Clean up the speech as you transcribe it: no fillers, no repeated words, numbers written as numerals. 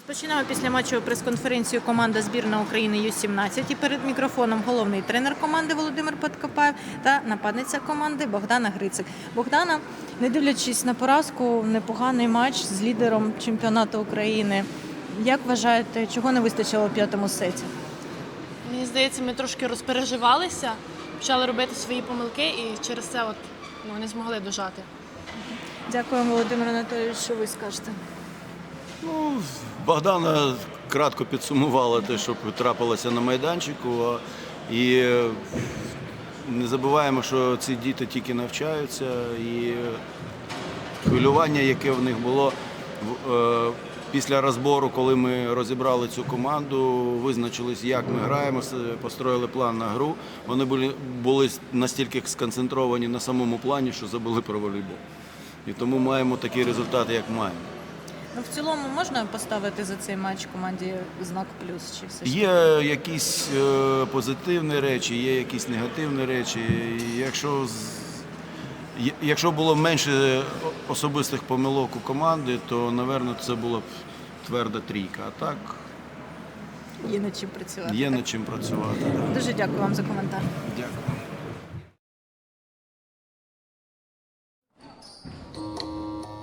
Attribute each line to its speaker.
Speaker 1: Розпочинаємо післяматчеву прес-конференцію команда збірна України Ю-17. І перед мікрофоном головний тренер команди Володимир Подкопаєв та нападниця команди Богдана Грицик. Богдана, не дивлячись на поразку, непоганий матч з лідером чемпіонату України. Як вважаєте, чого не вистачило у п'ятому сеті?
Speaker 2: Мені здається, ми трошки розпереживалися, почали робити свої помилки і через це не змогли дожати.
Speaker 1: Дякуємо, Володимир Анатолійович, що ви скажете?
Speaker 3: Богдана кратко підсумувала те, що трапилося на майданчику. І не забуваємо, що ці діти тільки навчаються. І хвилювання, яке в них було після розбору, коли ми розібрали цю команду, визначились, як ми граємо, построїли план на гру. Вони були настільки сконцентровані на самому плані, що забули про волейбол. І тому маємо такий результат, як маємо.
Speaker 1: В цілому можна поставити за цей матч команді знак плюс? Чи все ж?
Speaker 3: Є якісь позитивні речі, є якісь негативні речі. Якщо було менше особистих помилок у команди, то, напевно, це була б тверда трійка. А так
Speaker 1: Є над чим працювати.
Speaker 3: є над чим працювати.
Speaker 1: Дуже дякую вам за коментар.
Speaker 3: Дякую.